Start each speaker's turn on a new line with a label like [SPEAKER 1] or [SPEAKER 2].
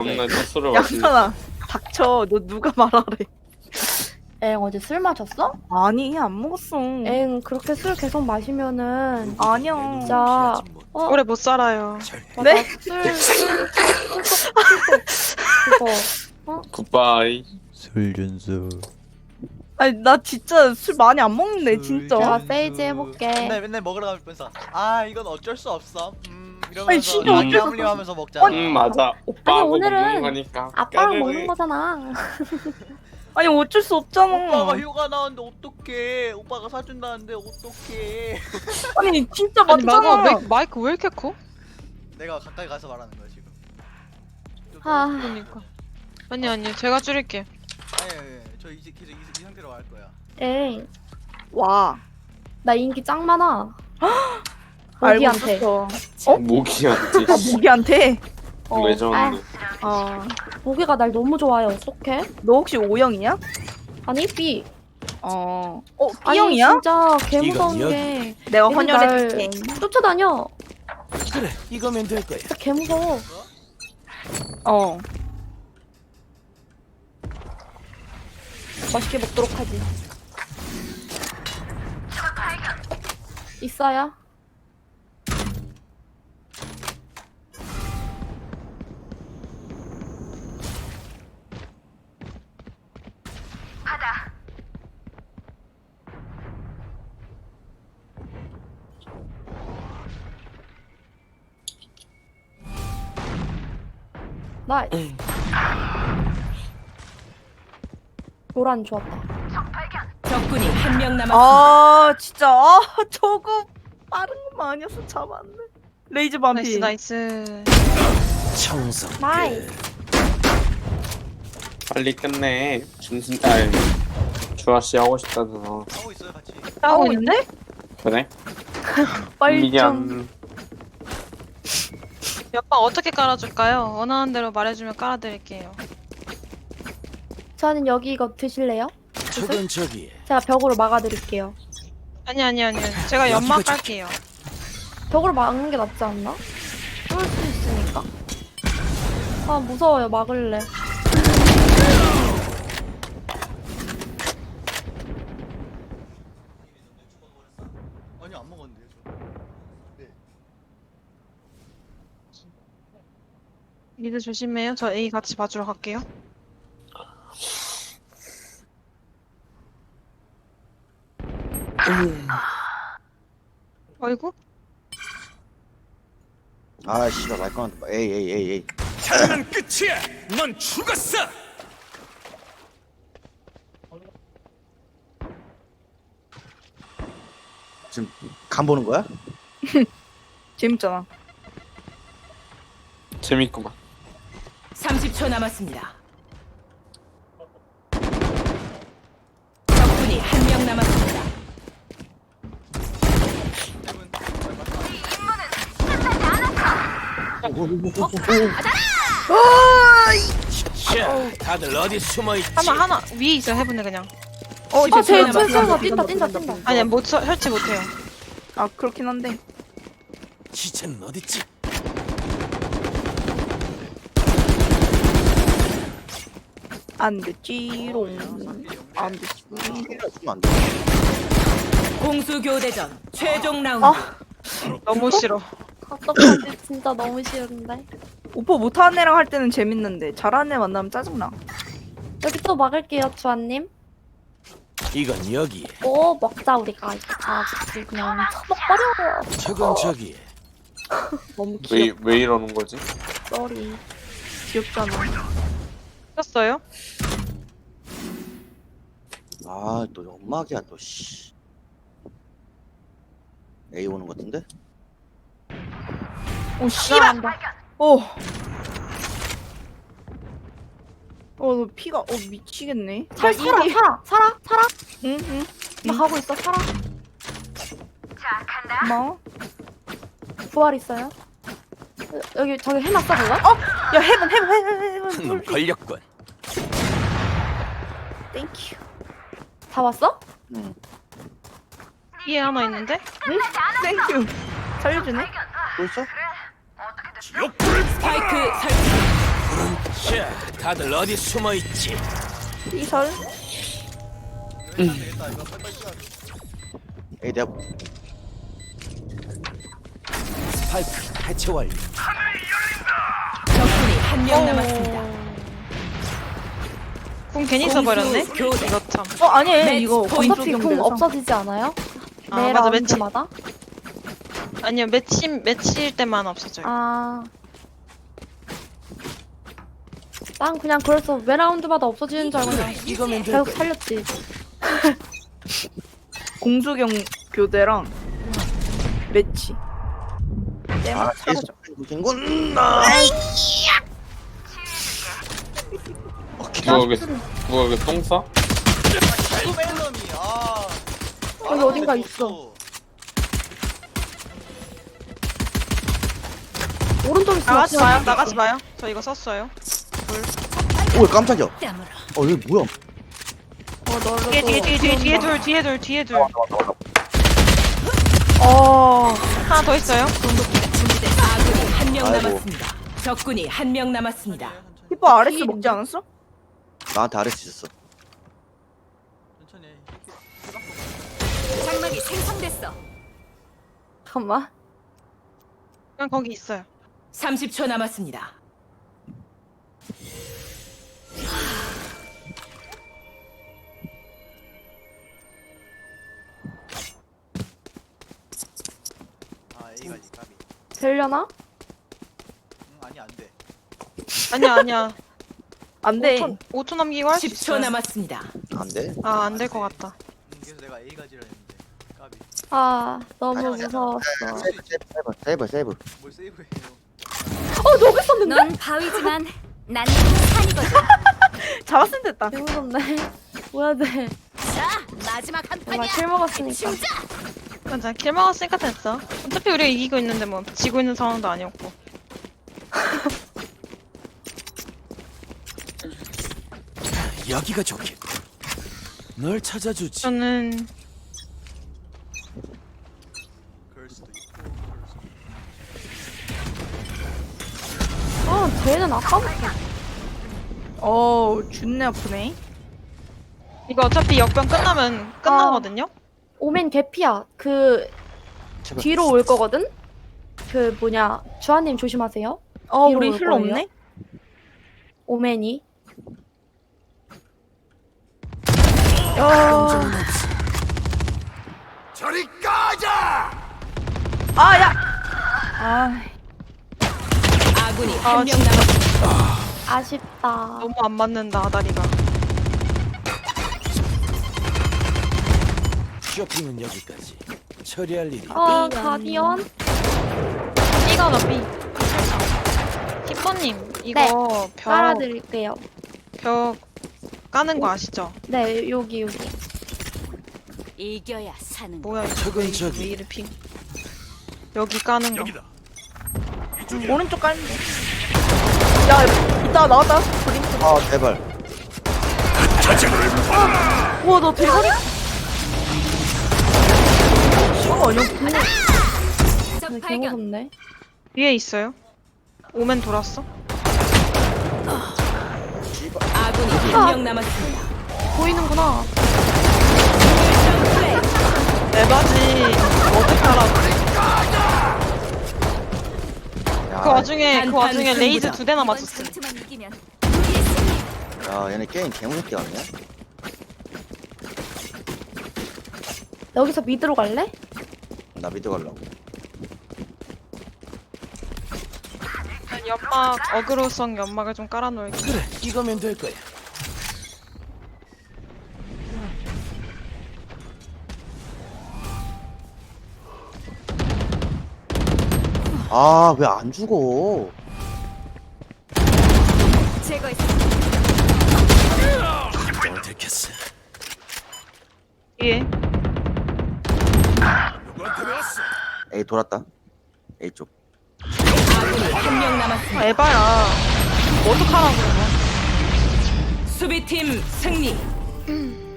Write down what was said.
[SPEAKER 1] 다음날 또 술을 마시니.
[SPEAKER 2] 양산아 닥쳐. 너 누가 말하래?
[SPEAKER 3] 엥 어제 술 마셨어?
[SPEAKER 2] 아니 안 먹었어.
[SPEAKER 3] 엥 그렇게 술 계속 마시면은
[SPEAKER 2] 아니야.
[SPEAKER 3] 진짜
[SPEAKER 4] 오래 못 살아요.
[SPEAKER 2] 네?
[SPEAKER 3] 그거
[SPEAKER 1] 굿바이.
[SPEAKER 5] 술준수.
[SPEAKER 2] 아니 나 진짜 술 많이 안 먹는데 진짜.
[SPEAKER 3] 제가 세이지 해볼게.
[SPEAKER 6] 맨날 먹으러 가면서 아 이건 어쩔 수 없어.
[SPEAKER 2] 아니,
[SPEAKER 6] 이러면서
[SPEAKER 2] 진짜 어쩔 수 없어.
[SPEAKER 6] 냠냠하면서 먹잖아.
[SPEAKER 1] 맞아. 오빠하고
[SPEAKER 3] 오늘은
[SPEAKER 1] 먹는 거니까.
[SPEAKER 3] 아빠랑
[SPEAKER 1] 까르르.
[SPEAKER 3] 먹는 거잖아.
[SPEAKER 2] 아니 어쩔 수 없잖아.
[SPEAKER 6] 오빠가 휴가 나왔는데 어떡해. 오빠가 사준다는데 어떡해.
[SPEAKER 2] 아니 진짜
[SPEAKER 4] 아니
[SPEAKER 2] 맞잖아.
[SPEAKER 4] 마이크 왜 이렇게 커?
[SPEAKER 6] 내가 가까이 가서 말하는 거야 지금.
[SPEAKER 3] 아
[SPEAKER 4] 그러니까. 아니 제가 줄일게.
[SPEAKER 6] 아니 저 이제 계속 이 상태로 할 거야.
[SPEAKER 3] 엥.
[SPEAKER 2] 와.
[SPEAKER 3] 나 인기 짱 많아.
[SPEAKER 2] 알고
[SPEAKER 3] 모기한테.
[SPEAKER 2] 있었어.
[SPEAKER 1] 모기한테.
[SPEAKER 2] 아 모기한테.
[SPEAKER 1] 레전드.
[SPEAKER 2] 아.
[SPEAKER 3] 모기가 날 너무 좋아해. 어떡해?
[SPEAKER 2] 너 혹시 O형이야?
[SPEAKER 3] 아니 B.
[SPEAKER 2] 어.
[SPEAKER 3] 아니
[SPEAKER 2] B형이야?
[SPEAKER 3] 진짜 개
[SPEAKER 5] 이건
[SPEAKER 3] 무서운
[SPEAKER 5] 여기.
[SPEAKER 3] 게
[SPEAKER 2] 내가
[SPEAKER 3] 얘는
[SPEAKER 2] 헌혈해줄게.
[SPEAKER 3] 날 쫓아다녀.
[SPEAKER 5] 그래, 이거면 될 거야.
[SPEAKER 3] 진짜 개 무서워.
[SPEAKER 2] 어.
[SPEAKER 3] 맛있게 먹도록 하지. 있어요? 나이스. 노란 좋았다.
[SPEAKER 7] 적군이 한 명 남았습니다.
[SPEAKER 2] 아 진짜 저거 빠른 것만 아니었어 잡았네. 레이즈 반피.
[SPEAKER 4] 나이스.
[SPEAKER 5] 청성.
[SPEAKER 3] 나이스.
[SPEAKER 1] 빨리 끝내. 준신 주아씨 하고 싶다잖아.
[SPEAKER 6] 하고 있어요 같이.
[SPEAKER 4] 하고 있네?
[SPEAKER 1] 그래?
[SPEAKER 2] 빨리 좀.
[SPEAKER 1] 미안.
[SPEAKER 4] 옆방 어떻게 깔아줄까요? 원하는 대로 말해주면 깔아드릴게요.
[SPEAKER 3] 저는 여기 이거 드실래요?
[SPEAKER 5] 저건 저기.
[SPEAKER 3] 제가 벽으로 막아드릴게요.
[SPEAKER 4] 아니요. 제가 연막
[SPEAKER 5] 여기가
[SPEAKER 4] 깔게요.
[SPEAKER 3] 벽으로 막는 게 낫지 않나? 뚫을 수 있으니까. 아 무서워요. 막을래.
[SPEAKER 6] 아니 안 먹었는데요 저. 네.
[SPEAKER 4] 미드 조심해요. 저 A 같이 봐주러 갈게요. 어이구?
[SPEAKER 5] 아, 씨발, 말꺼. 에이.
[SPEAKER 8] 장난 끝이야. 넌 죽었어.
[SPEAKER 5] 지금 간 보는 거야?
[SPEAKER 2] 재밌잖아.
[SPEAKER 1] 재밌구만.
[SPEAKER 7] 30초 남았습니다. 적군이 한 명 남았습니다.
[SPEAKER 8] 자, 다들 어디 숨어 있지?
[SPEAKER 4] 하나 위에 있어 해보네 그냥.
[SPEAKER 2] 이제
[SPEAKER 3] 제
[SPEAKER 2] 들어가.
[SPEAKER 3] 설마 뛴다.
[SPEAKER 4] 아니 못 설치 못해요.
[SPEAKER 2] 아 그렇긴 한데.
[SPEAKER 8] 시체는 어딨지?
[SPEAKER 2] 안 됐지롱. 안 됐지.
[SPEAKER 5] 주면 안 돼.
[SPEAKER 7] 공수 교대전 최종 라운드.
[SPEAKER 4] 너무 싫어.
[SPEAKER 3] 어떡하지? 진짜 너무 싫은데.
[SPEAKER 2] 오빠 못하는 애랑 할 때는 재밌는데 잘하는 애 만나면 짜증나.
[SPEAKER 3] 여기 또 막을게요, 주아님.
[SPEAKER 8] 이건 여기.
[SPEAKER 3] 오 먹자 우리가 이거 다 같이 그냥 처먹버려.
[SPEAKER 8] 저건 저기.
[SPEAKER 3] 너무 귀엽.
[SPEAKER 1] 왜 이러는 거지?
[SPEAKER 3] 쏘리.
[SPEAKER 2] 귀엽잖아.
[SPEAKER 4] 켰어요?
[SPEAKER 5] 아, 또 연막이야, 또, 씨. A 오는 것 같은데?
[SPEAKER 2] 오 씨발. 오. 너 피가 미치겠네.
[SPEAKER 3] 살아.
[SPEAKER 2] 응.
[SPEAKER 3] 나 가고 있어. 살아.
[SPEAKER 2] 고마워.
[SPEAKER 3] 부활 있어요? 여기 저기 해놨어 그거?
[SPEAKER 2] 야 해본.
[SPEAKER 8] 놈 걸렸군.
[SPEAKER 2] 땡큐.
[SPEAKER 3] 다 왔어?
[SPEAKER 5] 응.
[SPEAKER 4] 위에 하나 있는데?
[SPEAKER 2] 땡큐. 살려주네.
[SPEAKER 5] 또 있어?
[SPEAKER 8] 지옥불
[SPEAKER 7] 스파이크 설치.
[SPEAKER 8] 자, 다들 어디 숨어 있지?
[SPEAKER 2] 이설.
[SPEAKER 6] 되겠다 이거 빨리빨리 뛰어야 돼.
[SPEAKER 5] 에이 내가
[SPEAKER 8] 스파이크 해체 완료.
[SPEAKER 7] 적군이 한 명 남았습니다.
[SPEAKER 4] 궁 괜히 써버렸네?
[SPEAKER 7] 공수 교대.
[SPEAKER 4] 이거 참.
[SPEAKER 2] 아니에요.
[SPEAKER 7] 매치
[SPEAKER 2] 이거
[SPEAKER 7] 포인트
[SPEAKER 3] 어차피 궁
[SPEAKER 2] 공수경대에서.
[SPEAKER 3] 없어지지 않아요?
[SPEAKER 4] 아,
[SPEAKER 3] 매
[SPEAKER 4] 맞아, 매치.
[SPEAKER 3] 라운드마다?
[SPEAKER 4] 아니요, 매치일 때만 없어져요.
[SPEAKER 3] 아. 난 그냥 그래서 매 라운드마다 없어지는 줄 알고 그냥
[SPEAKER 8] 이거면 될
[SPEAKER 3] 계속
[SPEAKER 8] 거야.
[SPEAKER 3] 살렸지.
[SPEAKER 2] 공수경 교대랑 매치.
[SPEAKER 5] 아
[SPEAKER 2] 사라져.
[SPEAKER 5] 계속 생군 나.
[SPEAKER 1] 누가 여기 똥 싸?
[SPEAKER 6] 또 멜론이 아.
[SPEAKER 3] 여기 어딘가 있어. 오른쪽 있어.
[SPEAKER 4] 나가지 마요, 나가지 마요. 저 이거 썼어요.
[SPEAKER 5] 오 깜짝이야. 이거 뭐야?
[SPEAKER 4] 뒤에 둘. 하나 더 있어요.
[SPEAKER 7] 아군이 한 명
[SPEAKER 5] 아이고.
[SPEAKER 7] 남았습니다. 적군이 한 명 남았습니다.
[SPEAKER 2] 히퍼 RS 먹지 않았어?
[SPEAKER 5] 나한테 아레스 있었어.
[SPEAKER 6] 천천히 해.
[SPEAKER 7] 장막이 생성됐어.
[SPEAKER 3] 잠깐만.
[SPEAKER 4] 그냥 거기 있어요.
[SPEAKER 7] 30초 남았습니다.
[SPEAKER 6] 아 A가지 까비.
[SPEAKER 3] 되려나?
[SPEAKER 6] 아니 안 돼.
[SPEAKER 4] 아니야.
[SPEAKER 2] 안 돼.
[SPEAKER 4] 5초 남기고 할 수
[SPEAKER 7] 10초
[SPEAKER 4] 있어요.
[SPEAKER 7] 남았습니다.
[SPEAKER 5] 안 돼?
[SPEAKER 4] 아, 안 될 것 같다.
[SPEAKER 6] 그래서 내가 A가지라 했는데 까비.
[SPEAKER 3] 아, 너무
[SPEAKER 5] 아니야.
[SPEAKER 3] 무서웠어.
[SPEAKER 5] 세이브.
[SPEAKER 6] 뭘 세이브해요?
[SPEAKER 3] 저기 있었는데?
[SPEAKER 9] 넌 바위지만 난 산이거든.
[SPEAKER 2] 잡았으면 됐다.
[SPEAKER 3] 개 무섭네. 뭐야 돼.
[SPEAKER 9] 자, 마지막 한
[SPEAKER 3] 정말
[SPEAKER 9] 판이야.
[SPEAKER 3] 킬 먹었으니까.
[SPEAKER 4] 맞아, 킬 먹었으니까 됐어. 어차피 우리가 이기고 있는데 뭐 지고 있는 상황도 아니었고.
[SPEAKER 8] 여기가 좋겠고. 널 찾아주지.
[SPEAKER 4] 저는
[SPEAKER 6] 그럴 수도 있고.
[SPEAKER 3] 아, 쟤는 아까부터.
[SPEAKER 2] 준내 아프네.
[SPEAKER 4] 이거 어차피 역병 끝나면 끝나거든요.
[SPEAKER 3] 오멘 개피야. 그
[SPEAKER 5] 제발.
[SPEAKER 3] 뒤로 올 거거든? 그 뭐냐. 주하님 조심하세요. 뒤로
[SPEAKER 2] 우리
[SPEAKER 3] 올
[SPEAKER 2] 힐러
[SPEAKER 3] 거예요.
[SPEAKER 2] 없네?
[SPEAKER 3] 오멘이.
[SPEAKER 8] 저리 가자.
[SPEAKER 2] 야! 아,
[SPEAKER 7] 아군이 한 명 남았습니다.
[SPEAKER 3] 아쉽다.
[SPEAKER 4] 너무 안 맞는다, 아다리가.
[SPEAKER 8] 쇼핑은 여기까지. 처리할 일이.
[SPEAKER 3] 가디언?
[SPEAKER 4] B가 나 B. 히퍼님, 이거
[SPEAKER 3] 깔아드릴게요.
[SPEAKER 4] 벽 까는 거 아시죠?
[SPEAKER 3] 네, 여기.
[SPEAKER 9] 이겨야 사는 거.
[SPEAKER 4] 뭐야, 이거
[SPEAKER 8] 저건
[SPEAKER 4] 왜
[SPEAKER 8] 저기.
[SPEAKER 4] 이래 핑. 여기 까는 거.
[SPEAKER 2] 오른쪽 깔면 돼. 야, 이따 나왔다. 그림.
[SPEAKER 5] 아 제발.
[SPEAKER 2] 우와, 너 대가리. 아니야?
[SPEAKER 9] 적
[SPEAKER 3] 개
[SPEAKER 9] 발견.
[SPEAKER 3] 무섭네.
[SPEAKER 4] 위에 있어요. 오면 돌았어.
[SPEAKER 7] 아군이 한 명 남았습니다.
[SPEAKER 3] 보이는구나.
[SPEAKER 4] 에바지. 어떡하라고.
[SPEAKER 5] 야,
[SPEAKER 4] 그 와중에
[SPEAKER 7] 단판
[SPEAKER 4] 레이즈
[SPEAKER 7] 승부다.
[SPEAKER 4] 2대나
[SPEAKER 9] 이번
[SPEAKER 4] 맞췄어.
[SPEAKER 9] 전투만 이기면 우리의 승리.
[SPEAKER 5] 야 얘네 게임 개무섭게 하네.
[SPEAKER 3] 여기서 미드로 갈래?
[SPEAKER 5] 나 미드 가려고.
[SPEAKER 4] 연막, 어그로성 연막을 좀 깔아놓을게.
[SPEAKER 8] 그래, 이거면 될 거야.
[SPEAKER 5] 아 왜 안 죽어?
[SPEAKER 9] 제거했어.
[SPEAKER 8] 뭘 들켰어.
[SPEAKER 4] 위에.
[SPEAKER 5] 에이 돌았다. A 쪽.
[SPEAKER 7] 아군이 한 명 남았습니다.
[SPEAKER 4] 에바야. 어떡하라고, 이거.
[SPEAKER 7] 수비팀 승리.